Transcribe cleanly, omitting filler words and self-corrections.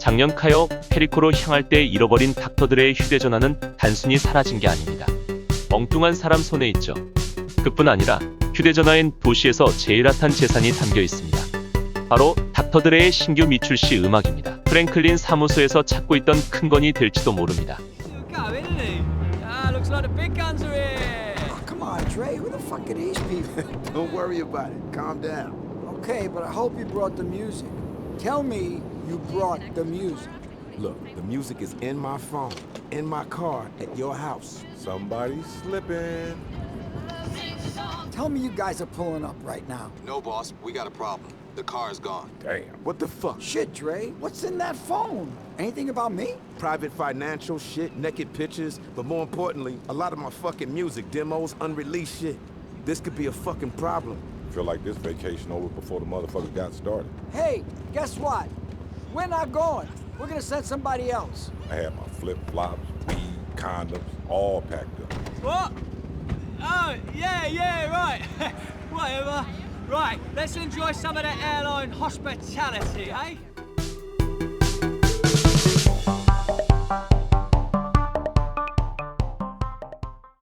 작년 카요 페리코로 향할 때 잃어버린 닥터들의 휴대전화는 단순히 사라진 게 아닙니다. 엉뚱한 사람 손에 있죠. 그뿐 아니라 휴대전화엔 도시에서 제일 핫한 재산이 담겨 있습니다. 바로 닥터드레의 신규 미출시 음악입니다. 프랭클린 사무소에서 찾고 있던 큰 건이 될지도 모릅니다. Go, isn't he? Ah, looks like the big guns are here. Oh, come on, Dre. Who the fuck are these people? Don't worry about it. Calm down. Okay, but I hope you brought the music. Tell me you brought the music. Look, the music is in my phone, in my car, at your house. Somebody's slipping. Tell me you guys are pulling up right now. No, boss, we got a problem. The car is gone. Damn. What the fuck? Shit, Dre. What's in that phone? Anything about me? Private financial shit, naked pictures, but more importantly, a lot of my fucking music demos, unreleased shit. This could be a fucking problem. Feel like this vacation over before the motherfucker got started. Hey, guess what? We're not going. We're gonna send somebody else. I had my flip-flops, weed, condoms, all packed up. What? Oh, yeah, right. Whatever. Right, let's enjoy some of that airline hospitality, eh?